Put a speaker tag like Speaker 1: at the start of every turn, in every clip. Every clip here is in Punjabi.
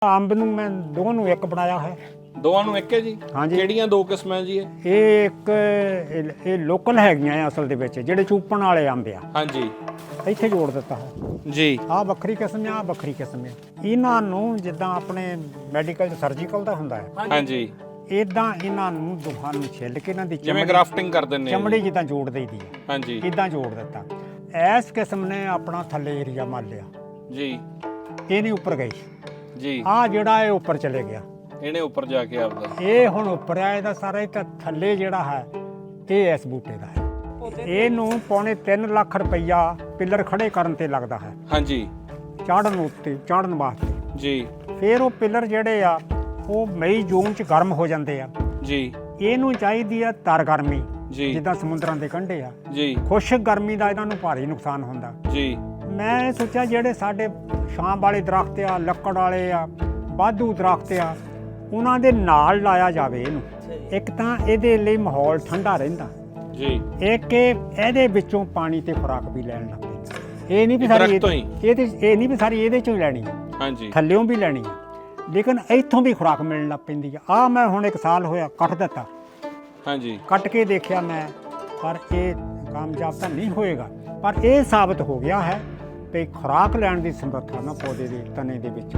Speaker 1: ਅੰਬ ਨੂੰ ਮੈਂ ਦੋਵਾਂ ਨੂੰ ਇੱਕ ਬਣਾਇਆ ਹੈ।
Speaker 2: ਦੋਵਾਂ ਨੂੰ ਇੱਕ ਹੈ ਜੀ?
Speaker 1: ਹਾਂਜੀ।
Speaker 2: ਕਿਹੜੀਆਂ ਦੋ ਕਿਸਮਾਂ ਜੀ
Speaker 1: ਇਹ ਇੱਕ ਇਹ ਲੋਕਲ ਹੈਗੀਆਂ ਆ ਅਸਲ ਦੇ ਵਿੱਚ, ਜਿਹੜੇ ਚੂਪਣ ਵਾਲੇ ਅੰਬ ਆ।
Speaker 2: ਹਾਂਜੀ
Speaker 1: ਇੱਥੇ ਜੋੜ ਦਿੱਤਾ ਹੈ
Speaker 2: ਜੀ।
Speaker 1: ਆਹ ਵੱਖਰੀ ਕਿਸਮ ਆ, ਆਹ ਵੱਖਰੀ ਕਿਸਮ ਆ। ਇਹਨਾਂ ਨੂੰ ਜਿੱਦਾਂ ਆਪਣੇ ਮੈਡੀਕਲ ਚ ਸਰਜੀਕਲ ਦਾ ਹੁੰਦਾ ਹੈ,
Speaker 2: ਹਾਂਜੀ
Speaker 1: ਇਦਾਂ ਇਹਨਾਂ ਨੂੰ ਦੋਹਾਂ ਨੂੰ ਛਿੱਲ ਕੇ ਇਹਨਾਂ ਦੀ
Speaker 2: ਜਿਵੇਂ ਗ੍ਰਾਫਟਿੰਗ ਕਰ ਦਿੰਦੇ ਆ
Speaker 1: ਚਮੜੀ ਜਿੱਦਾਂ ਜੋੜ ਦਈਦੀ ਹੈ,
Speaker 2: ਹਾਂਜੀ
Speaker 1: ਇਦਾਂ ਜੋੜ ਦਿੱਤਾ। ਇਸ ਕਿਸਮ ਨੇ ਆਪਣਾ ਥੱਲੇ ਏਰੀਆ ਮੰਨ ਲਿਆ,
Speaker 2: ਜੀ
Speaker 1: ਇਹ ਨਹੀਂ ਉੱਪਰ ਗਈ
Speaker 2: ਜੀ।
Speaker 1: ਆਹ ਜਿਹੜਾ ਇਹ ਉੱਪਰ ਚਲੇ ਗਿਆ,
Speaker 2: ਇਹਨੇ ਉੱਪਰ ਜਾ ਕੇ ਆਪਦਾ
Speaker 1: ਇਹ ਹੁਣ ਉੱਪਰ ਆ। ਇਹਦਾ ਸਾਰਾ ਇਹ ਤਾਂ ਥੱਲੇ ਜਿਹੜਾ ਹੈ ਇਹ ਇਸ ਬੂਟੇ ਦਾ ਹੈ। ਇਹਨੂੰ ਪੌਣੇ 3 ਲੱਖ ਰੁਪਈਆ ਪਿੱਲਰ ਖੜੇ ਕਰਨ ਤੇ ਲੱਗਦਾ ਹੈ,
Speaker 2: ਹਾਂਜੀ
Speaker 1: ਚੜ੍ਹਨ ਵਾਸਤੇ
Speaker 2: ਜੀ।
Speaker 1: ਫਿਰ ਉਹ ਪਿੱਲਰ ਜਿਹੜੇ ਆ ਉਹ ਮਈ ਜੂਨ ਚ ਗਰਮ ਹੋ ਜਾਂਦੇ ਆ
Speaker 2: ਜੀ।
Speaker 1: ਇਹਨੂੰ ਚਾਹੀਦੀ ਆ ਤਰ ਗਰਮੀ,
Speaker 2: ਜੀ
Speaker 1: ਜਿੱਦਾਂ ਸਮੁੰਦਰਾਂ ਦੇ ਕੰਢੇ ਆ।
Speaker 2: ਜੀ
Speaker 1: ਖੁਸ਼ਕ ਗਰਮੀ ਦਾ ਇਹਨਾਂ ਨੂੰ ਭਾਰੀ ਨੁਕਸਾਨ ਹੁੰਦਾ।
Speaker 2: ਜੀ।
Speaker 1: ਮੈਂ ਇਹ ਸੋਚਿਆ ਜਿਹੜੇ ਸਾਡੇ ਛਾਂ ਵਾਲੇ ਦਰਖਤ ਆ, ਲੱਕੜ ਵਾਲੇ ਆ, ਵਾਧੂ ਦਰਖਤ ਆ, ਉਹਨਾਂ ਦੇ ਨਾਲ ਲਾਇਆ ਜਾਵੇ ਇਹਨੂੰ। ਇੱਕ ਤਾਂ ਇਹਦੇ ਲਈ ਮਾਹੌਲ ਠੰਡਾ ਰਹਿੰਦਾ
Speaker 2: ਜੀ,
Speaker 1: ਇੱਕ ਇਹਦੇ ਵਿੱਚੋਂ ਪਾਣੀ ਤੇ ਖੁਰਾਕ ਵੀ ਲੈਣ ਲੱਗ ਪੈਂਦਾ। ਇਹ ਨਹੀਂ ਵੀ ਸਾਰੀ ਇਹ ਨਹੀਂ ਵੀ ਸਾਰੀ ਇਹਦੇ ਚੋਂ ਹੀ ਲੈਣੀ ਹੈ,
Speaker 2: ਹਾਂਜੀ
Speaker 1: ਥੱਲਿਓਂ ਵੀ ਲੈਣੀ ਹੈ, ਲੇਕਿਨ ਇੱਥੋਂ ਵੀ ਖੁਰਾਕ ਮਿਲਣ ਲੱਗ ਪੈਂਦੀ ਆ। ਮੈਂ ਹੁਣ 1 ਸਾਲ ਹੋਇਆ ਕੱਟ ਦਿੱਤਾ,
Speaker 2: ਹਾਂਜੀ
Speaker 1: ਕੱਟ ਕੇ ਦੇਖਿਆ ਮੈਂ, ਪਰ ਇਹ ਕਾਮਯਾਬ ਤਾਂ ਨਹੀਂ ਹੋਏਗਾ। ਪਰ ਇਹ ਸਾਬਤ ਹੋ ਗਿਆ ਹੈ ਕਿ ਖੁਰਾਕ ਲੈਣ ਦੀ ਸਮਰੱਥਾ ਨਾ ਪੌਦੇ ਦੇ ਤਣੇ ਦੇ ਵਿੱਚ।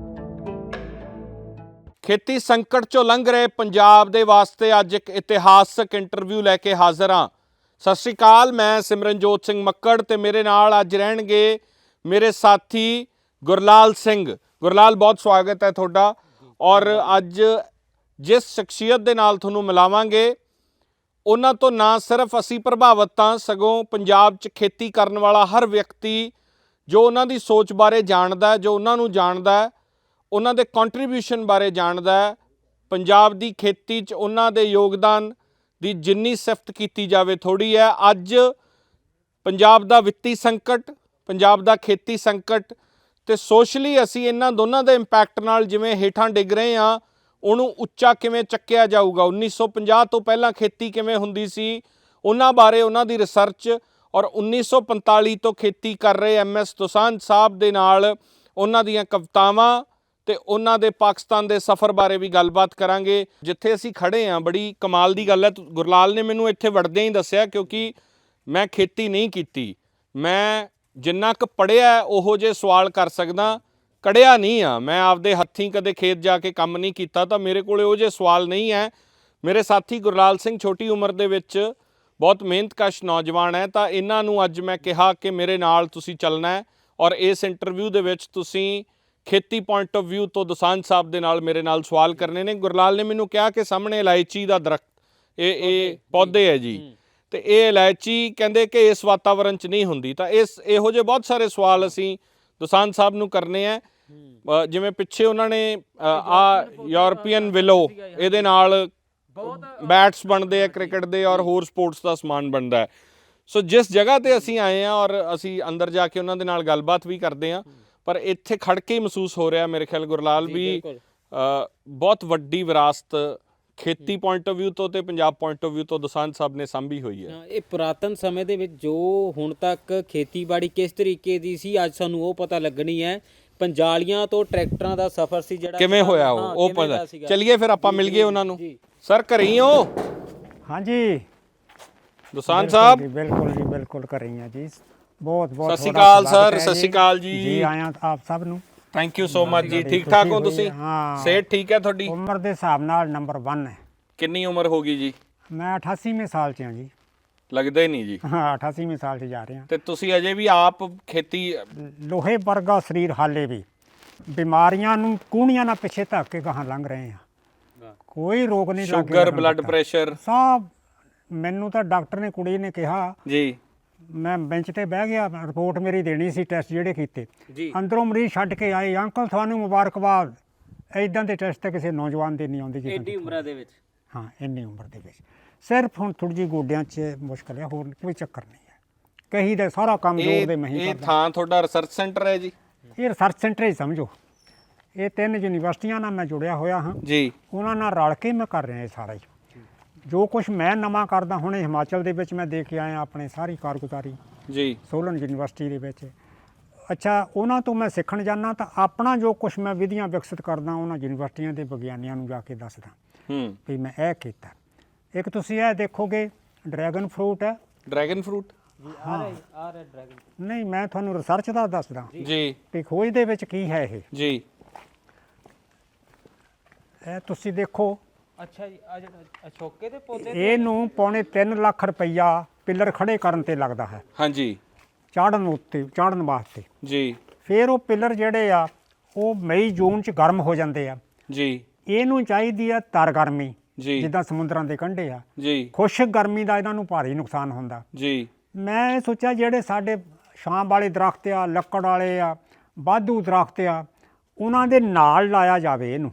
Speaker 2: ਖੇਤੀ ਸੰਕਟ ਚੋਂ ਲੰਘ ਰਹੇ ਪੰਜਾਬ ਦੇ ਵਾਸਤੇ ਅੱਜ ਇੱਕ ਇਤਿਹਾਸਕ ਇੰਟਰਵਿਊ ਲੈ ਕੇ ਹਾਜ਼ਰ ਹਾਂ। ਸਤਿ ਸ਼੍ਰੀ ਅਕਾਲ, ਮੈਂ ਸਿਮਰਨਜੋਤ ਸਿੰਘ ਮੱਕੜ ਤੇ ਮੇਰੇ ਨਾਲ ਅੱਜ ਰਹਿਣਗੇ ਮੇਰੇ ਸਾਥੀ ਗੁਰਲਾਲ ਸਿੰਘ। ਗੁਰਲਾਲ, ਬਹੁਤ ਸਵਾਗਤ ਹੈ ਤੁਹਾਡਾ। ਔਰ ਅੱਜ ਜਿਸ ਸ਼ਖਸੀਅਤ ਦੇ ਨਾਲ ਤੁਹਾਨੂੰ ਮਿਲਾਵਾਂਗੇ, ਉਹਨਾਂ ਤੋਂ ਨਾ ਸਿਰਫ ਅਸੀਂ ਪ੍ਰਭਾਵਿਤ ਹਾਂ, ਸਗੋਂ ਪੰਜਾਬ 'ਚ ਖੇਤੀ ਕਰਨ ਵਾਲਾ ਹਰ ਵਿਅਕਤੀ ਜੋ ਉਹਨਾਂ ਦੀ ਸੋਚ ਬਾਰੇ ਜਾਣਦਾ ਹੈ, ਜੋ ਉਹਨਾਂ ਨੂੰ ਜਾਣਦਾ ਹੈ, ਉਹਨਾਂ ਦੇ ਕੰਟਰੀਬਿਊਸ਼ਨ ਬਾਰੇ ਜਾਣਦਾ ਹੈ, ਪੰਜਾਬ ਦੀ ਖੇਤੀ 'ਚ ਉਹਨਾਂ ਦੇ ਯੋਗਦਾਨ ਦੀ ਜਿੰਨੀ ਸਿਫਤ ਕੀਤੀ ਜਾਵੇ ਥੋੜ੍ਹੀ ਹੈ। ਅੱਜ ਪੰਜਾਬ ਦਾ ਵਿੱਤੀ ਸੰਕਟ, ਪੰਜਾਬ ਦਾ ਖੇਤੀ ਸੰਕਟ ਤੇ ਸੋਸ਼ਲੀ ਅਸੀਂ ਇਹਨਾਂ ਦੋਨਾਂ ਦੇ ਇੰਪੈਕਟ ਨਾਲ ਜਿਵੇਂ ਹੇਠਾਂ ਡਿੱਗ ਰਹੇ ਹਾਂ, ਉਹਨੂੰ ਉੱਚਾ ਕਿਵੇਂ ਚੱਕਿਆ ਜਾਊਗਾ, 1950 ਤੋਂ ਪਹਿਲਾਂ ਖੇਤੀ ਕਿਵੇਂ ਹੁੰਦੀ ਸੀ, ਉਹਨਾਂ ਬਾਰੇ ਉਹਨਾਂ ਦੀ ਰਿਸਰਚ, ਔਰ 1945 ਤੋਂ ਖੇਤੀ ਕਰ ਰਹੇ MS ਦੋਸਾਂਝ ਸਾਹਿਬ ਦੇ ਨਾਲ ਉਹਨਾਂ ਦੀਆਂ ਕਵਿਤਾਵਾਂ ਤੇ ਉਹਨਾਂ ਦੇ ਪਾਕਿਸਤਾਨ ਦੇ ਸਫ਼ਰ ਬਾਰੇ ਵੀ ਗੱਲਬਾਤ ਕਰਾਂਗੇ। ਜਿੱਥੇ ਅਸੀਂ ਖੜੇ ਹਾਂ, ਬੜੀ ਕਮਾਲ ਦੀ ਗੱਲ ਹੈ। ਗੁਰਲਾਲ ਨੇ ਮੈਨੂੰ ਇੱਥੇ ਵੜਦਿਆਂ ਹੀ ਦੱਸਿਆ, ਕਿਉਂਕਿ ਮੈਂ ਖੇਤੀ ਨਹੀਂ ਕੀਤੀ, ਮੈਂ ਜਿੰਨਾ ਕੁ ਪੜ੍ਹਿਆ ਉਹੋ ਜਿਹੇ ਸਵਾਲ ਕਰ ਸਕਦਾ, ਕੜਿਆ ਨਹੀਂ ਆ। ਮੈਂ ਆਪਦੇ ਹੱਥੀਂ ਕਦੇ ਖੇਤ ਜਾ ਕੇ ਕੰਮ ਨਹੀਂ ਕੀਤਾ, ਤਾਂ ਮੇਰੇ ਕੋਲ ਉਹ ਜਿਹੇ ਸਵਾਲ ਨਹੀਂ ਹੈ। ਮੇਰੇ ਸਾਥੀ ਗੁਰਲਾਲ ਸਿੰਘ ਛੋਟੀ ਉਮਰ ਦੇ ਵਿੱਚ ਬਹੁਤ ਮਿਹਨਤਕਸ਼ ਨੌਜਵਾਨ ਹੈ, ਤਾਂ ਇਹਨਾਂ ਨੂੰ ਅੱਜ ਮੈਂ ਕਿਹਾ ਕਿ ਮੇਰੇ ਨਾਲ ਤੁਸੀਂ ਚੱਲਣਾ ਹੈ ਔਰ ਇਸ ਇੰਟਰਵਿਊ ਦੇ ਵਿੱਚ ਤੁਸੀਂ ਖੇਤੀ ਪੁਆਇੰਟ ਆਫ ਵਿਊ ਤੋਂ ਦੋਸਾਂਝ ਸਾਹਿਬ ਦੇ ਨਾਲ ਮੇਰੇ ਨਾਲ ਸਵਾਲ ਕਰਨੇ ਨੇ। ਗੁਰਲਾਲ ਨੇ ਮੈਨੂੰ ਕਿਹਾ ਕਿ ਸਾਹਮਣੇ ਇਲਾਇਚੀ ਦਾ ਦਰਖਤ, ਇਹ ਪੌਦੇ ਹੈ ਜੀ, ਤੇ ਇਹ ਇਲਾਇਚੀ ਕਹਿੰਦੇ ਕਿ ਇਸ ਵਾਤਾਵਰਣ 'ਚ ਨਹੀਂ ਹੁੰਦੀ। ਤਾਂ ਇਹੋ ਜਿਹੇ ਬਹੁਤ ਸਾਰੇ ਸਵਾਲ ਅਸੀਂ ਦੋਸਾਂਝ ਸਾਹਿਬ ਨੂੰ ਕਰਨੇ ਆ। ਜਿਵੇਂ ਪਿੱਛੇ ਉਹਨਾਂ ਨੇ ਯੂਰਪੀਅਨ ਵਿਲੋ, ਇਹਦੇ ਨਾਲ ਬੈਟਸ ਬਣਦੇ ਆ ਕ੍ਰਿਕਟ ਦੇ ਔਰ ਹੋਰ ਸਪੋਰਟਸ ਦਾ ਸਮਾਨ ਬਣਦਾ ਹੈ। ਸੋ ਜਿਸ ਜਗ੍ਹਾ 'ਤੇ ਅਸੀਂ ਆਏ ਹਾਂ ਔਰ ਅਸੀਂ ਅੰਦਰ ਜਾ ਕੇ ਉਹਨਾਂ ਦੇ ਨਾਲ ਗੱਲਬਾਤ ਵੀ ਕਰਦੇ ਹਾਂ, ਪਰ ਇੱਥੇ ਖੜ ਕੇ ਹੀ ਮਹਿਸੂਸ ਹੋ ਰਿਹਾ ਮੇਰੇ ਖਿਆਲ ਗੁਰਲਾਲ ਵੀ ਬਹੁਤ ਵੱਡੀ ਵਿਰਾਸਤ ਖੇਤੀ ਪੁਆਇੰਟ ਆਫ ਵਿਊ ਤੋਂ ਤੇ ਪੰਜਾਬ ਪੁਆਇੰਟ ਆਫ ਵਿਊ ਤੋਂ ਦੋਸਾਂਝ ਸਾਹਿਬ ਨੇ ਸਾਂਭੀ ਹੋਈ ਹੈ।
Speaker 3: ਇਹ ਪੁਰਾਤਨ ਸਮੇਂ ਦੇ ਵਿੱਚ ਜੋ ਹੁਣ ਤੱਕ ਖੇਤੀਬਾੜੀ ਕਿਸ ਤਰੀਕੇ ਦੀ ਸੀ, ਅੱਜ ਸਾਨੂੰ ਉਹ ਪਤਾ ਲੱਗਣੀ ਹੈ। ਪੰਜਾਲੀਆਂ ਤੋਂ ਟਰੈਕਟਰਾਂ ਦਾ ਸਫ਼ਰ ਸੀ ਜਿਹੜਾ
Speaker 2: ਕਿਵੇਂ ਹੋਇਆ ਉਹ ਪਤਾ। ਚਲਿਏ ਫਿਰ ਆਪਾਂ ਮਿਲ ਗਏ ਉਹਨਾਂ ਨੂੰ। ਸਰ, ਘਰੇ ਹੀ ਹੋ?
Speaker 1: ਹਾਂਜੀ
Speaker 2: ਦੋਸਾਂਝ ਸਾਹਿਬ,
Speaker 1: ਬਿਲਕੁਲ ਜੀ, ਬਿਲਕੁਲ ਕਰ ਰਹੀ ਹਾਂ ਜੀ। ਬਹੁਤ
Speaker 2: ਸਤਿ ਸ਼੍ਰੀ ਅਕਾਲ ਸਰ। ਸਤਿ ਸ਼੍ਰੀ ਅਕਾਲ ਜੀ।
Speaker 1: ਆਇਆਂ ਆਪ ਸਭ ਨੂੰ।
Speaker 2: ਥੈਂਕ ਯੂ ਸੋ ਮਚ ਜੀ। ਠੀਕ ਠਾਕ ਹੋ ਤੁਸੀਂ?
Speaker 1: ਹਾਂ,
Speaker 2: ਸਿਹਤ ਠੀਕ ਹੈ ਤੁਹਾਡੀ?
Speaker 1: ਉਮਰ ਦੇ ਹਿਸਾਬ ਨਾਲ ਨੰਬਰ 1 ਹੈ।
Speaker 2: ਕਿੰਨੀ ਉਮਰ ਹੋ ਗਈ ਜੀ?
Speaker 1: ਮੈਂ 88ਵੇਂ ਸਾਲ 'ਚ ਹਾਂ ਜੀ।
Speaker 2: ਲੱਗਦਾ ਹੀ ਨਹੀਂ ਜੀ।
Speaker 1: ਹਾਂ, 88ਵੇਂ ਸਾਲ 'ਚ ਜਾ ਰਹੇ ਹਾਂ।
Speaker 2: ਤੇ ਤੁਸੀਂ ਅਜੇ ਵੀ ਆਪ ਖੇਤੀ?
Speaker 1: ਲੋਹੇ ਵਰਗਾ ਸਰੀਰ ਹਾਲੇ ਵੀ, ਬਿਮਾਰੀਆਂ ਨੂੰ ਕੂਹਣੀਆਂ ਨਾਲ ਪਿੱਛੇ ਧੱਕ ਕੇ ਗਾਹਾਂ ਲੰਘ ਰਹੇ ਹਾਂ। ਕੋਈ ਰੋਗ ਨਹੀਂ ਲੱਗ
Speaker 2: ਸ਼ੂਗਰ, ਬਲੱਡ ਪ੍ਰੈਸ਼ਰ
Speaker 1: ਸਭ। ਮੈਨੂੰ ਤਾਂ ਡਾਕਟਰ ਨੇ, ਕੁੜੀ ਨੇ ਕਿਹਾ
Speaker 2: ਜੀ,
Speaker 1: ਮੈਂ ਬੈਂਚ ਤੇ ਬਹਿ ਗਿਆ, ਰਿਪੋਰਟ ਮੇਰੀ ਦੇਣੀ ਸੀ, ਟੈਸਟ ਜਿਹੜੇ ਕੀਤੇ,
Speaker 3: ਜੀ
Speaker 1: ਅੰਦਰੋਂ ਮਰੀਜ਼ ਛੱਡ ਕੇ ਆਏ, ਅੰਕਲ ਤੁਹਾਨੂੰ ਮੁਬਾਰਕਬਾਦ, ਇਦਾਂ ਦੇ ਟੈਸਟ ਤਾਂ ਕਿਸੇ ਨੌਜਵਾਨ ਦੇ ਨਹੀਂ ਆਉਂਦੇ ਜੀ।
Speaker 3: ਐਡੀ ਉਮਰਾਂ ਦੇ ਵਿੱਚ?
Speaker 1: ਹਾਂ, ਇੰਨੀ ਉਮਰ ਦੇ ਵਿੱਚ। ਸਿਰਫ ਹੁਣ ਥੋੜੀ ਜਿਹੀ ਗੋਡਿਆਂ 'ਚ ਮੁਸ਼ਕਲ ਹੈ, ਹੋਰ ਕੋਈ ਚੱਕਰ ਨਹੀਂ ਹੈ। ਕਹੀ ਦਾ ਸਾਰਾ ਕੰਮ ਜੋਰ ਦੇ ਮਹੀਂ
Speaker 2: ਇਹ
Speaker 1: ਕਰਦਾ।
Speaker 2: ਥਾਂ ਤੁਹਾਡਾ ਰਿਸਰਚ ਸੈਂਟਰ ਹੈ ਜੀ?
Speaker 1: ਇਹ ਰਿਸਰਚ ਸੈਂਟਰ ਹੀ ਸਮਝੋ। ਇਹ 3 ਯੂਨੀਵਰਸਿਟੀਆਂ ਨਾਲ ਮੈਂ ਜੁੜਿਆ ਹੋਇਆ ਹਾਂ
Speaker 2: ਜੀ।
Speaker 1: ਉਹਨਾਂ ਨਾਲ ਰਲ ਕੇ ਮੈਂ ਕਰ ਰਿਹਾ ਇਹ ਸਾਰਾ ਹੀ। ਜੋ ਕੁਝ ਮੈਂ ਨਵਾਂ ਕਰਦਾ, ਹੁਣ ਹਿਮਾਚਲ ਦੇ ਵਿੱਚ ਮੈਂ ਦੇ ਕੇ ਆਇਆ ਆਪਣੀ ਸਾਰੀ ਕਾਰਗੁਜ਼ਾਰੀ
Speaker 2: ਜੀ।
Speaker 1: ਸੋਲਨ ਯੂਨੀਵਰਸਿਟੀ ਦੇ ਵਿੱਚ। ਅੱਛਾ ਉਹਨਾਂ ਤੋਂ ਮੈਂ ਸਿੱਖਣ ਜਾਂਦਾ ਤਾਂ ਆਪਣਾ ਜੋ ਕੁਝ ਮੈਂ ਵਿਧੀਆਂ ਵਿਕਸਿਤ ਕਰਦਾ ਉਹਨਾਂ ਯੂਨੀਵਰਸਿਟੀਆਂ ਦੇ ਵਿਗਿਆਨੀਆਂ ਨੂੰ ਜਾ ਕੇ ਦੱਸਦਾ ਵੀ ਮੈਂ ਇਹ ਕੀਤਾ। ਇੱਕ ਤੁਸੀਂ ਇਹ ਦੇਖੋਗੇ ਡਰੈਗਨ ਫਰੂਟ ਹੈ।
Speaker 2: ਡਰੈਗਨ ਫਰੂਟ
Speaker 3: ਆ ਰਿਹਾ ਡਰੈਗਨ।
Speaker 1: ਨਹੀਂ ਮੈਂ ਤੁਹਾਨੂੰ ਰਿਸਰਚ ਦਾ ਦੱਸਦਾ
Speaker 2: ਜੀ
Speaker 1: ਵੀ ਖੋਜ ਦੇ ਵਿੱਚ ਕੀ ਹੈ ਇਹ।
Speaker 2: ਜੀ
Speaker 1: ਇਹ ਤੁਸੀਂ ਦੇਖੋ
Speaker 3: ਅੱਛਾ ਜੀ, ਆ ਜਿਹੜਾ ਅਸ਼ੋਕੇ ਦੇ ਪੌਦੇ
Speaker 1: ਇਹਨੂੰ ਪੌਣੇ 3 ਲੱਖ ਰੁਪਈਆ ਪਿੱਲਰ ਖੜੇ ਕਰਨ ਤੇ ਲੱਗਦਾ ਹੈ,
Speaker 2: ਹਾਂਜੀ
Speaker 1: ਚਾੜਨ ਵਾਸਤੇ।
Speaker 2: ਜੀ
Speaker 1: ਫਿਰ ਉਹ ਪਿੱਲਰ ਜਿਹੜੇ ਆ ਉਹ ਮਈ ਜੂਨ ਚ ਗਰਮ ਹੋ ਜਾਂਦੇ ਆ।
Speaker 2: ਜੀ
Speaker 1: ਇਹਨੂੰ ਚਾਹੀਦੀ ਆ ਤਰ ਗਰਮੀ,
Speaker 2: ਜੀ
Speaker 1: ਜਿੱਦਾਂ ਸਮੁੰਦਰਾਂ ਦੇ ਕੰਢੇ ਆ।
Speaker 2: ਜੀ
Speaker 1: ਖੁਸ਼ਕ ਗਰਮੀ ਦਾ ਇਹਨਾਂ ਨੂੰ ਭਾਰੀ ਨੁਕਸਾਨ ਹੁੰਦਾ।
Speaker 2: ਜੀ
Speaker 1: ਮੈਂ ਇਹ ਸੋਚਿਆ ਜਿਹੜੇ ਸਾਡੇ ਛਾਂ ਵਾਲੇ ਦਰਖਤ ਆ, ਲੱਕੜ ਵਾਲੇ ਆ, ਵਾਧੂ ਦਰਖਤ ਆ, ਉਹਨਾਂ ਦੇ ਨਾਲ ਲਾਇਆ ਜਾਵੇ ਇਹਨੂੰ।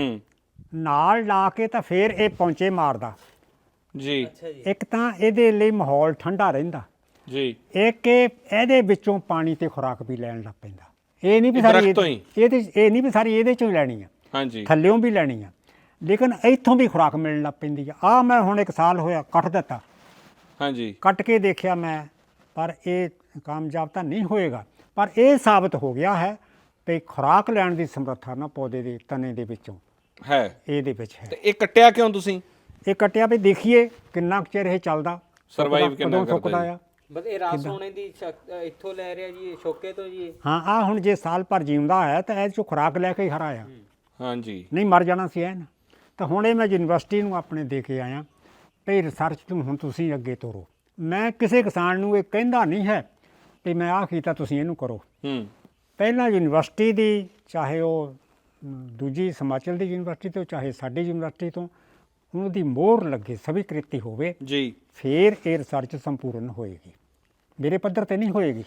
Speaker 1: ਨਾਲ ਲਾ ਕੇ ਤਾਂ ਫਿਰ ਇਹ ਪੌਂਚੇ ਮਾਰਦਾ।
Speaker 2: ਜੀ
Speaker 1: ਇੱਕ ਤਾਂ ਇਹਦੇ ਲਈ ਮਾਹੌਲ ਠੰਡਾ ਰਹਿੰਦਾ,
Speaker 2: ਜੀ
Speaker 1: ਇੱਕ ਇਹਦੇ ਵਿੱਚੋਂ ਪਾਣੀ ਤੇ ਖੁਰਾਕ ਵੀ ਲੈਣ ਲੱਗ ਪੈਂਦਾ। ਇਹ ਨਹੀਂ ਵੀ ਸਾਰੀ ਇਹ ਨਹੀਂ ਵੀ ਸਾਰੀ ਇਹਦੇ ਚੋਂ ਹੀ ਲੈਣੀ ਆ,
Speaker 2: ਹਾਂਜੀ
Speaker 1: ਥੱਲਿਓਂ ਵੀ ਲੈਣੀ ਆ, ਲੇਕਿਨ ਇੱਥੋਂ ਵੀ ਖੁਰਾਕ ਮਿਲਣ ਲੱਗ ਪੈਂਦੀ ਆ। ਮੈਂ ਹੁਣ 1 ਸਾਲ ਹੋਇਆ ਕੱਟ ਦਿੱਤਾ,
Speaker 2: ਹਾਂਜੀ
Speaker 1: ਕੱਟ ਕੇ ਦੇਖਿਆ ਮੈਂ, ਪਰ ਇਹ ਕਾਮਯਾਬ ਤਾਂ ਨਹੀਂ ਹੋਏਗਾ। ਪਰ ਇਹ ਸਾਬਤ ਹੋ ਗਿਆ ਹੈ ਕਿ ਖੁਰਾਕ ਲੈਣ ਦੀ ਸਮਰੱਥਾ ਨਾ ਪੌਦੇ ਦੇ ਤਣੇ ਦੇ ਵਿੱਚੋਂ
Speaker 2: ਹੈ,
Speaker 1: ਇਹਦੇ ਵਿੱਚ ਹੈ।
Speaker 2: ਤੇ ਇਹ ਕੱਟਿਆ ਕਿਉਂ ਤੁਸੀਂ?
Speaker 1: ਇਹ ਕੱਟਿਆ ਵੀ ਦੇਖੀਏ ਕਿੰਨਾ ਕੁ ਚਿਰ ਇਹ ਚੱਲਦਾ,
Speaker 2: ਸਰਵਾਈਵ ਕਿੰਨਾ
Speaker 1: ਕਦੋਂ ਸੁੱਕਦਾ
Speaker 2: ਕਰਦਾ
Speaker 1: ਆ।
Speaker 3: ਬਸ ਇਹ ਰਸ ਹੋਣੇ ਦੀ ਇੱਥੋਂ ਲੈ ਰਿਹਾ ਜੀ, ਅਸ਼ੋਕੇ ਤੋਂ ਜੀ।
Speaker 1: ਹਾਂ ਆ ਹੁਣ ਜੇ ਸਾਲ ਭਰ ਜਿਉਂਦਾ ਹੈ ਤਾਂ ਇਹ 'ਚੋਂ ਖੁਰਾਕ ਲੈ ਕੇ ਹੀ ਹਰਾ ਆ,
Speaker 2: ਹਾਂਜੀ
Speaker 1: ਨਹੀਂ ਮਰ ਜਾਣਾ ਸੀ ਇਹ ਨਾ। ਤਾਂ ਹੁਣ ਇਹ ਮੈਂ ਯੂਨੀਵਰਸਿਟੀ ਨੂੰ ਆਪਣੇ ਦੇ ਕੇ ਆਇਆ ਵੀ ਰਿਸਰਚ ਤੋਂ ਹੁਣ ਤੁਸੀਂ ਅੱਗੇ ਤੋਰੋ। ਮੈਂ ਕਿਸੇ ਕਿਸਾਨ ਨੂੰ ਇਹ ਕਹਿੰਦਾ ਨਹੀਂ ਹੈ ਵੀ ਮੈਂ ਆਹ ਕੀਤਾ ਤੁਸੀਂ ਇਹਨੂੰ ਕਰੋ। ਪਹਿਲਾਂ ਯੂਨੀਵਰਸਿਟੀ ਦੀ, ਚਾਹੇ ਉਹ ਦੂਜੀ ਹਿਮਾਚਲ ਦੀ ਯੂਨੀਵਰਸਿਟੀ ਤੋਂ, ਚਾਹੇ ਸਾਡੀ ਯੂਨੀਵਰਸਿਟੀ ਤੋਂ, ਉਹਨਾਂ ਦੀ ਮੋਹਰ ਲੱਗੇ, ਸਵੀਕ੍ਰਿਤੀ ਹੋਵੇ,
Speaker 2: ਜੀ
Speaker 1: ਫਿਰ ਇਹ ਰਿਸਰਚ ਸੰਪੂਰਨ ਹੋਏਗੀ। ਮੇਰੇ ਪੱਧਰ ਤੇ ਨਹੀਂ ਹੋਏਗੀ।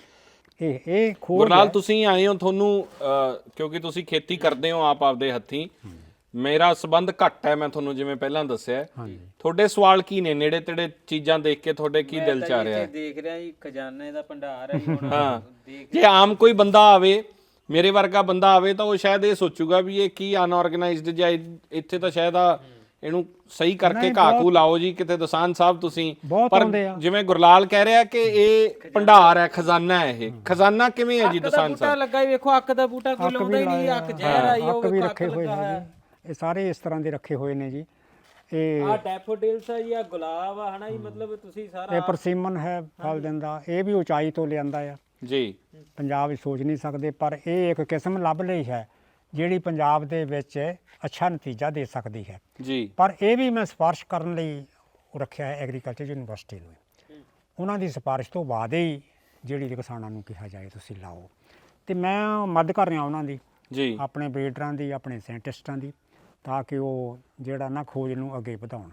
Speaker 1: ਇਹ ਖੋਜ
Speaker 2: ਗੁਰਲਾਲ ਤੁਸੀਂ ਆਏ ਹੋ, ਤੁਹਾਨੂੰ ਕਿਉਂਕਿ ਤੁਸੀਂ ਖੇਤੀ ਕਰਦੇ ਹੋ ਆਪ ਆਪਦੇ ਹੱਥੀਂ, ਮੇਰਾ ਸੰਬੰਧ ਘੱਟ ਹੈ, ਮੈਂ ਤੁਹਾਨੂੰ ਜਿਵੇਂ ਪਹਿਲਾਂ ਦੱਸਿਆ। ਤੁਹਾਡੇ ਸਵਾਲ ਕੀ ਨੇ? ਨੇੜੇ ਤੇੜੇ ਚੀਜ਼ਾਂ ਦੇਖ ਕੇ ਤੁਹਾਡੇ ਕੀ ਦਿਲ ਚ ਆ ਰਿਹਾ ਹੈ?
Speaker 3: ਦੇਖ ਰਿਹਾ ਜੀ ਖਜ਼ਾਨੇ ਦਾ ਭੰਡਾਰ ਹੈ ਹੁਣ।
Speaker 2: ਹਾਂ, ਜੇ ਆਮ ਕੋਈ ਬੰਦਾ ਆਵੇ, ਮੇਰੇ ਵਰਗਾ ਬੰਦਾ ਆਵੇ, ਤਾਂ ਉਹ ਸ਼ਾਇਦ ਇਹ ਸੋਚੂਗਾ ਵੀ ਇਹ ਕੀ ਅਨਆਰਗੇਨਾਈਜ਼ਡ, ਜਾਂ ਇੱਥੇ ਤਾਂ ਸ਼ਾਇਦ ਇਹਨੂੰ ਸਹੀ ਕਰਕੇ ਘਾਹ-ਘੂ ਲਾਓ ਜੀ ਕਿਤੇ ਦਸਾਨ ਸਾਹਿਬ ਤੁਸੀਂ। ਪਰ ਜਿਵੇਂ ਗੁਰਲਾਲ ਕਹਿ ਰਿਹਾ ਕਿ ਇਹ ਭੰਡਾਰ ਹੈ, ਖਜ਼ਾਨਾ ਹੈ। ਇਹ ਖਜ਼ਾਨਾ ਕਿਵੇਂ ਹੈ ਜੀ ਦਸਾਨ
Speaker 3: ਬੂਟਾ
Speaker 2: ਸਾਹਿਬ?
Speaker 3: ਲੱਗਾ ਹੀ ਵੇਖੋ, ਅੱਕ ਦਾ ਬੂਟਾ ਕੋਈ ਲਾਉਂਦਾ ਹੀ ਨਹੀਂ, ਅੱਕ ਜ਼ਹਿਰ ਆਈ
Speaker 1: ਅੱਕ ਵੀ ਰੱਖੇ ਹੋਏ ਨੇ ਜੀ, ਇਹ ਸਾਰੇ ਇਸ ਤਰ੍ਹਾਂ ਦੇ ਰੱਖੇ ਹੋਏ ਨੇ ਜੀ। ਇਹ
Speaker 3: ਆ ਡੈਫੋਡਿਲਸ ਆ ਜੀ, ਆ ਗੁਲਾਬ ਆ ਹਨਾ ਜੀ, ਮਤਲਬ ਤੁਸੀਂ ਸਾਰਾ
Speaker 1: ਇਹ ਪਰਸੀਮਨ ਹੈ, ਫਲ ਦਿੰਦਾ। ਇਹ ਵੀ ਉਚਾਈ ਤੋਂ ਲਿਆਂਦਾ ਆ
Speaker 2: ਜੀ,
Speaker 1: ਪੰਜਾਬ ਵਿੱਚ ਸੋਚ ਨਹੀਂ ਸਕਦੇ, ਪਰ ਇਹ ਇੱਕ ਕਿਸਮ ਲੱਭ ਲਈ ਹੈ ਜਿਹੜੀ ਪੰਜਾਬ ਦੇ ਵਿੱਚ ਅੱਛਾ ਨਤੀਜਾ ਦੇ ਸਕਦੀ ਹੈ
Speaker 2: ਜੀ।
Speaker 1: ਪਰ ਇਹ ਵੀ ਮੈਂ ਸਿਫਾਰਿਸ਼ ਕਰਨ ਲਈ ਰੱਖਿਆ ਹੈ ਐਗਰੀਕਲਚਰ ਯੂਨੀਵਰਸਿਟੀ ਨੂੰ। ਉਹਨਾਂ ਦੀ ਸਿਫਾਰਿਸ਼ ਤੋਂ ਬਾਅਦ ਹੀ ਜਿਹੜੀ ਕਿਸਾਨਾਂ ਨੂੰ ਕਿਹਾ ਜਾਏ ਤੁਸੀਂ ਲਾਓ, ਤੇ ਮੈਂ ਮਦਦ ਕਰ ਰਿਹਾ ਉਹਨਾਂ ਦੀ
Speaker 2: ਜੀ,
Speaker 1: ਆਪਣੇ ਬਰੀਡਰਾਂ ਦੀ, ਆਪਣੇ ਸਾਇੰਟਿਸਟਾਂ ਦੀ, ਤਾਂ ਕਿ ਉਹ ਜਿਹੜਾ ਨਾ ਖੋਜ ਨੂੰ ਅੱਗੇ ਵਧਾਉਣ।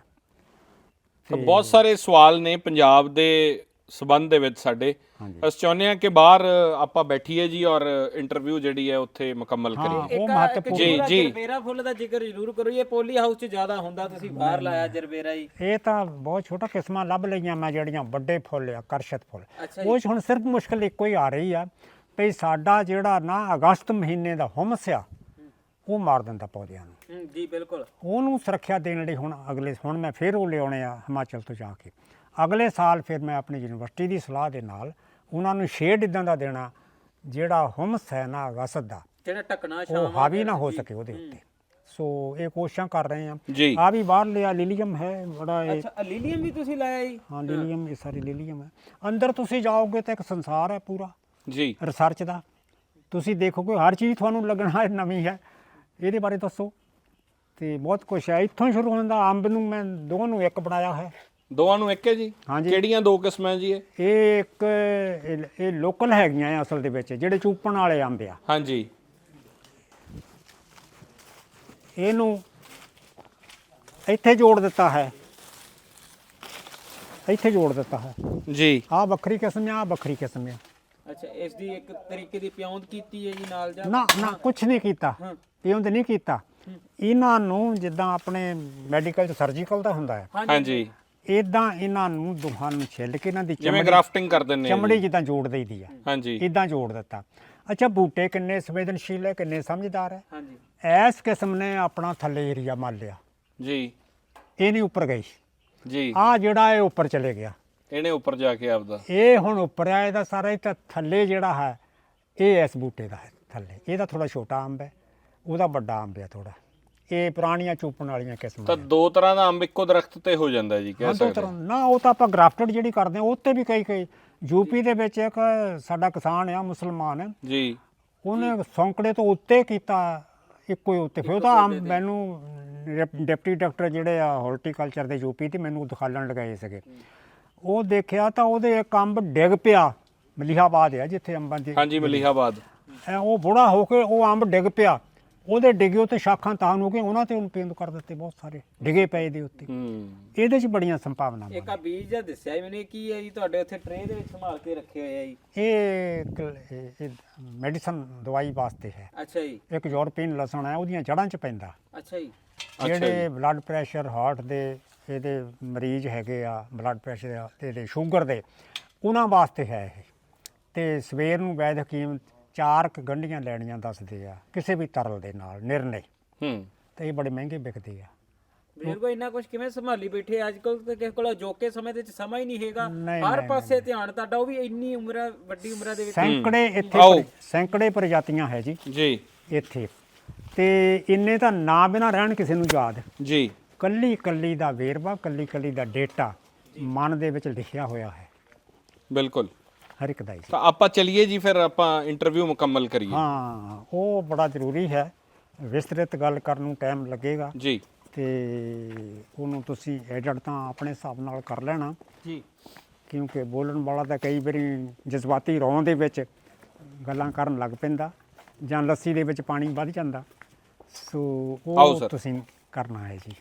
Speaker 2: ਤਾਂ ਬਹੁਤ ਸਾਰੇ ਸਵਾਲ ਨੇ ਪੰਜਾਬ ਦੇ ਸਬੰਧ ਦੇ ਵਿੱਚ ਸਾਡੇ। ਅਸੀਂ ਚਾਹੁੰਦੇ ਹਾਂ ਕਿ ਬਾਹਰ ਆਪਾਂ ਬੈਠੀਏ ਜੀ ਔਰ ਇੰਟਰਵਿਊ ਜਿਹੜੀ ਹੈ ਉੱਥੇ ਮੁਕੰਮਲ ਕਰੀਏ।
Speaker 1: ਉਹ ਮਹੱਤਵਪੂਰਨ
Speaker 2: ਜੀ
Speaker 3: ਜਰਬੇਰਾ ਫੁੱਲ ਦਾ ਜ਼ਿਕਰ ਜ਼ਰੂਰ ਕਰੋ। ਇਹ ਪੋਲੀ ਹਾਊਸ 'ਚ ਜ਼ਿਆਦਾ ਹੁੰਦਾ, ਤੁਸੀਂ ਬਾਹਰ ਲਾਇਆ ਜਰਬੇਰਾ ਹੀ।
Speaker 1: ਇਹ ਤਾਂ ਬਹੁਤ ਛੋਟਾ ਕਿਸਮਾਂ ਲੱਭ ਲਈਆਂ ਮੈਂ, ਜਿਹੜੀਆਂ ਵੱਡੇ ਫੁੱਲ ਆ, ਆਕਰਸ਼ਿਤ ਫੁੱਲ। ਉਹ 'ਚ ਹੁਣ ਸਿਰਫ ਮੁਸ਼ਕਲ ਇੱਕੋ ਹੀ ਆ ਰਹੀ ਆ ਵੀ ਸਾਡਾ ਜਿਹੜਾ ਨਾ ਅਗਸਤ ਮਹੀਨੇ ਦਾ ਹੁਮਸ ਆ ਉਹ ਮਾਰ ਦਿੰਦਾ ਪੌਦਿਆਂ ਨੂੰ।
Speaker 3: ਜੀ ਬਿਲਕੁਲ।
Speaker 1: ਉਹਨੂੰ ਸੁਰੱਖਿਆ ਦੇਣ ਲਈ ਹੁਣ ਮੈਂ ਫਿਰ ਉਹ ਲਿਆਉਣੇ ਆ ਹਿਮਾਚਲ ਤੋਂ ਜਾ ਕੇ। ਅਗਲੇ ਸਾਲ ਫਿਰ ਮੈਂ ਆਪਣੀ ਯੂਨੀਵਰਸਿਟੀ ਦੀ ਸਲਾਹ ਦੇ ਨਾਲ ਉਹਨਾਂ ਨੂੰ ਸ਼ੇਡ ਇਦਾਂ ਦਾ ਦੇਣਾ ਜਿਹੜਾ ਹੁਮਸ ਹੈ ਨਾ ਅਗਸਤ ਦਾ,
Speaker 3: ਜਿਹੜਾ ਢੱਕਣਾ
Speaker 1: ਉਹ ਹਾਵੀ ਨਾ ਹੋ ਸਕੇ ਉਹਦੇ ਉੱਤੇ। ਸੋ ਇਹ ਕੋਸ਼ਿਸ਼ਾਂ ਕਰ ਰਹੇ ਆ।
Speaker 2: ਜੀ,
Speaker 1: ਆ ਵੀ ਬਾਹਰ ਲਿਆ ਲਿਲੀਅਮ ਹੈ ਬੜਾ।
Speaker 3: ਅੱਛਾ, ਲਿਲੀਅਮ ਵੀ ਤੁਸੀਂ ਲਾਇਆ ਜੀ?
Speaker 1: ਹਾਂ ਲਿਲੀਅਮ, ਇਹ ਸਾਰੀ ਲਿਲੀਅਮ ਹੈ। ਅੰਦਰ ਤੁਸੀਂ ਜਾਓਗੇ ਤਾਂ ਇੱਕ ਸੰਸਾਰ ਹੈ ਪੂਰਾ
Speaker 2: ਜੀ
Speaker 1: ਰਿਸਰਚ ਦਾ। ਤੁਸੀਂ ਦੇਖੋਗੇ ਹਰ ਚੀਜ਼ ਤੁਹਾਨੂੰ ਲੱਗਣਾ ਨਵੀਂ ਹੈ। ਇਹਦੇ ਬਾਰੇ ਦੱਸੋ, ਤੇ ਬਹੁਤ ਕੁਛ ਹੈ। ਇੱਥੋਂ ਹੀ ਸ਼ੁਰੂ ਹੁੰਦਾ। ਅੰਬ ਨੂੰ ਮੈਂ ਦੋਵਾਂ ਨੂੰ ਇੱਕ ਬਣਾਇਆ ਹੈ।
Speaker 2: ਦੋਵਾਂ ਨੂੰ ਇੱਕ ਹੈ ਜੀ?
Speaker 1: ਹਾਂਜੀ।
Speaker 2: ਕਿਹੜੀਆਂ ਦੋ ਕਿਸਮਾਂ ਜੀ?
Speaker 1: ਇਹ ਇੱਕ ਇਹ ਲੋਕਲ ਹੈਗੀਆਂ ਆ ਅਸਲ ਦੇ ਵਿੱਚ, ਜਿਹੜੇ ਚੂਪਣ ਵਾਲੇ ਅੰਬ ਆ।
Speaker 2: ਹਾਂਜੀ।
Speaker 1: ਇਹਨੂੰ ਇੱਥੇ ਜੋੜ ਦਿੱਤਾ ਹੈ, ਇੱਥੇ ਜੋੜ ਦਿੱਤਾ ਹੈ
Speaker 2: ਜੀ।
Speaker 1: ਆਹ ਵੱਖਰੀ ਕਿਸਮ ਆ, ਆਹ ਵੱਖਰੀ ਕਿਸਮ ਆ।
Speaker 3: ਅੱਛਾ, ਇਸ ਦੀ ਇੱਕ ਤਰੀਕੇ ਦੀ ਪਿਉਂਦ ਕੀਤੀ ਹੈ ਜੀ ਨਾਲ ਜਾਂ?
Speaker 1: ਨਾ ਨਾ, ਕੁਛ ਨਹੀਂ ਕੀਤਾ, ਪਿਉਂਦ ਨਹੀਂ ਕੀਤਾ। ਇਹਨਾਂ ਨੂੰ ਜਿੱਦਾਂ ਆਪਣੇ ਮੈਡੀਕਲ 'ਚ ਸਰਜੀਕਲ ਦਾ ਹੁੰਦਾ ਹੈ,
Speaker 2: ਹਾਂਜੀ,
Speaker 1: ਇਦਾਂ ਇਹਨਾਂ ਨੂੰ ਦੋਹਾਂ ਨੂੰ ਛਿੱਲ ਕੇ ਇਹਨਾਂ ਦੀ
Speaker 2: ਜਿਵੇਂ ਗ੍ਰਾਫਟਿੰਗ ਕਰ ਦਿੰਦੇ ਆ
Speaker 1: ਚਮੜੀ ਜਿੱਦਾਂ ਜੋੜ ਦੇਈਦੀ ਆ,
Speaker 2: ਹਾਂਜੀ,
Speaker 1: ਇਦਾਂ ਜੋੜ ਦਿੱਤਾ। ਅੱਛਾ, ਬੂਟੇ ਕਿੰਨੇ ਸੰਵੇਦਨਸ਼ੀਲ ਹੈ, ਕਿੰਨੇ ਸਮਝਦਾਰ ਹੈ।
Speaker 3: ਹਾਂਜੀ।
Speaker 1: ਇਸ ਕਿਸਮ ਨੇ ਆਪਣਾ ਥੱਲੇ ਏਰੀਆ ਮੰਨ ਲਿਆ,
Speaker 2: ਜੀ
Speaker 1: ਇਹ ਨਹੀਂ ਉੱਪਰ ਗਈ।
Speaker 2: ਜੀ,
Speaker 1: ਆ ਜਿਹੜਾ ਇਹ ਉੱਪਰ ਚਲੇ ਗਿਆ,
Speaker 2: ਇਹਨੇ ਉੱਪਰ ਜਾ ਕੇ ਆਪਦਾ।
Speaker 1: ਇਹ ਹੁਣ ਉੱਪਰ ਆ, ਇਹਦਾ ਸਾਰਾ ਹੀ ਤਾਂ ਥੱਲੇ ਜਿਹੜਾ ਹੈ ਇਹ ਇਸ ਬੂਟੇ ਦਾ ਹੈ ਥੱਲੇ। ਇਹਦਾ ਥੋੜਾ ਛੋਟਾ ਅੰਬ ਹੈ, ਉਹਦਾ ਵੱਡਾ ਅੰਬ ਹੈ ਥੋੜਾ। ਇਹ ਪੁਰਾਣੀਆਂ ਚੂਪਣ ਵਾਲੀਆਂ ਕਿਸਮਾਂ
Speaker 2: ਤਾਂ ਦੋ ਤਰ੍ਹਾਂ ਦਾ ਅੰਬ ਇੱਕੋ ਦਰਖਤ ਤੇ ਹੋ ਜਾਂਦਾ ਜੀ, ਕਹਿ
Speaker 1: ਦੋ
Speaker 2: ਸਕਦੇ
Speaker 1: ਤਰ੍ਹਾਂ ਨਾ। ਉਹ ਤਾਂ ਆਪਾਂ ਗ੍ਰਾਫਟਡ ਜਿਹੜੀ ਕਰਦੇ ਹਾਂ ਉਹ 'ਤੇ ਵੀ ਕਈ ਯੂਪੀ ਦੇ ਵਿੱਚ ਇੱਕ ਸਾਡਾ ਕਿਸਾਨ ਆ ਮੁਸਲਮਾਨ ਹੈ
Speaker 2: ਜੀ,
Speaker 1: ਉਹਨੇ ਸੌਂਕੜੇ ਤੋਂ ਉੱਤੇ ਕੀਤਾ ਇੱਕੋ ਹੀ ਉੱਤੇ। ਫਿਰ ਉਹਦਾ ਅੰਬ ਮੈਨੂੰ ਡਿਪਟੀ ਡਾਕਟਰ ਜਿਹੜੇ ਆ ਹਾਰਟੀਕਲਚਰ ਦੇ ਯੂਪੀ ਤੇ ਮੈਨੂੰ ਦਿਖਾਲਣ ਲਗਾਏ ਸੀਗੇ। ਉਹ ਦੇਖਿਆ ਤਾਂ ਉਹਦੇ ਇੱਕ ਅੰਬ ਡਿੱਗ ਪਿਆ, ਮਲੀਹਾਬਾਦ ਆ ਜਿੱਥੇ ਅੰਬਾਂ ਦੀ
Speaker 2: ਹਾਂਜੀ ਮਲੀਹਾਬਾਦ।
Speaker 1: ਉਹ ਬੁੜਾ ਹੋ ਕੇ ਉਹ ਅੰਬ ਡਿੱਗ ਪਿਆ, ਉਹਦੇ ਡਿੱਗੇ ਉੱਤੇ ਸ਼ਾਖਾਂ ਤਾਨ ਹੋ ਗਏ, ਉਹਨਾਂ ਤੇ ਉਹਨੂੰ ਪੇਂਦ ਕਰ ਦਿੱਤੇ ਬਹੁਤ ਸਾਰੇ ਡਿੱਗੇ ਪਏ ਦੇ ਉੱਤੇ। ਇਹਦੇ 'ਚ ਬੜੀਆਂ ਸੰਭਾਵਨਾਵਾਂ।
Speaker 3: ਇੱਕ ਆ ਬੀਜ ਜਿਹਾ ਦੱਸਿਆ ਸੀ ਮੈਨੂੰ, ਇਹ ਕੀ ਹੈ ਜੀ ਤੁਹਾਡੇ ਉੱਥੇ ਟਰੇ ਦੇ ਵਿੱਚ ਸੰਭਾਲ ਕੇ ਰੱਖੇ ਹੋਏ ਆ ਜੀ?
Speaker 1: ਇਹ ਮੈਡੀਸਨ ਦਵਾਈ ਵਾਸਤੇ ਹੈ।
Speaker 3: ਅੱਛਾ ਜੀ।
Speaker 1: ਇੱਕ ਯੂਰਪੀਨ ਲਸਣ ਹੈ, ਉਹਦੀਆਂ ਜੜ੍ਹਾਂ 'ਚ ਪੈਂਦਾ।
Speaker 3: ਅੱਛਾ ਜੀ।
Speaker 1: ਜਿਹੜੇ ਬਲੱਡ ਪ੍ਰੈਸ਼ਰ ਹਾਰਟ ਦੇ ਇਹਦੇ ਮਰੀਜ਼ ਹੈਗੇ ਆ, ਬਲੱਡ ਪ੍ਰੈਸ਼ਰ ਤੇ ਇਹਦੇ ਸ਼ੂਗਰ ਦੇ, ਉਹਨਾਂ ਵਾਸਤੇ ਹੈ ਇਹ। ਤੇ ਸਵੇਰ ਨੂੰ ਵੈਦ ਹਕੀਮ 4 ਗੰਢੀਆਂ ਲੈਣੀਆਂ ਦੱਸਦੇ ਆ ਕਿਸੇ ਵੀ ਤਰਲ ਦੇ ਨਾਲ ਨਿਰਣੇ। ਤੇ ਇਹ ਬੜੇ ਮਹਿੰਗੇ ਵਿਕਦੇ ਆ।
Speaker 3: ਬਜ਼ੁਰਗ ਇੰਨਾ ਕੁਝ ਕਿਵੇਂ ਸੰਭਾਲੀ ਬੈਠੇ ਅੱਜ ਕੱਲ? ਤੇ ਕਿਸੇ ਕੋਲ ਅਜੋਕੇ ਸਮੇਂ ਦੇ ਵਿੱਚ ਸਮਾਂ ਹੀ ਨਹੀਂ ਹੈਗਾ,
Speaker 1: ਨਹੀਂ,
Speaker 3: ਹਰ
Speaker 1: ਨਹੀਂ,
Speaker 3: ਪਾਸੇ ਧਿਆਨ ਤੁਹਾਡਾ, ਉਹ ਵੀ ਇੰਨੀ ਉਮਰ ਵੱਡੀ ਉਮਰਾਂ ਦੇ ਵਿੱਚ।
Speaker 1: ਸੈਂਕੜੇ ਇੱਥੇ ਸੈਂਕੜੇ ਪ੍ਰਜਾਤੀਆਂ ਹੈ ਜੀ
Speaker 2: ਜੀ
Speaker 1: ਇੱਥੇ। ਤੇ ਇੰਨੇ ਤਾਂ ਨਾ ਬਿਨਾਂ ਰਹਿਣ ਕਿਸੇ ਨੂੰ ਯਾਦ
Speaker 2: ਜੀ।
Speaker 1: ਕੱਲੀ ਕੱਲੀ ਦਾ ਵੇਰਵਾ, ਕੱਲੀ ਕੱਲੀ ਦਾ ਡੇਟਾ ਮਨ ਦੇ ਵਿੱਚ ਲਿਖਿਆ ਹੋਇਆ ਹੈ
Speaker 2: ਬਿਲਕੁਲ
Speaker 1: ਹਰ ਇੱਕ ਦਾ ਹੀ।
Speaker 2: ਤਾਂ ਆਪਾਂ ਚਲਿਏ ਜੀ, ਫਿਰ ਆਪਾਂ ਇੰਟਰਵਿਊ ਮੁਕੰਮਲ ਕਰੀਏ।
Speaker 1: ਹਾਂ, ਉਹ ਬੜਾ ਜ਼ਰੂਰੀ ਹੈ। ਵਿਸਤ੍ਰਿਤ ਗੱਲ ਕਰਨ ਨੂੰ ਟਾਈਮ ਲੱਗੇਗਾ
Speaker 2: ਜੀ।
Speaker 1: ਤੇ ਉਹਨੂੰ ਤੁਸੀਂ ਐਡਿਟ ਤਾਂ ਆਪਣੇ ਹਿਸਾਬ ਨਾਲ ਕਰ ਲੈਣਾ
Speaker 3: ਜੀ,
Speaker 1: ਕਿਉਂਕਿ ਬੋਲਣ ਵਾਲਾ ਤਾਂ ਕਈ ਵਾਰੀ ਜਜ਼ਬਾਤੀ ਰੌਂ ਦੇ ਵਿੱਚ ਗੱਲਾਂ ਕਰਨ ਲੱਗ ਪੈਂਦਾ ਜਾਂ ਲੱਸੀ ਦੇ ਵਿੱਚ ਪਾਣੀ ਵੱਧ ਜਾਂਦਾ। ਸੋ
Speaker 2: ਆਓ
Speaker 1: ਉਹ
Speaker 2: ਸਰ।
Speaker 1: ਤੁਸੀਂ ਕਰਨਾ ਹੈ ਜੀ।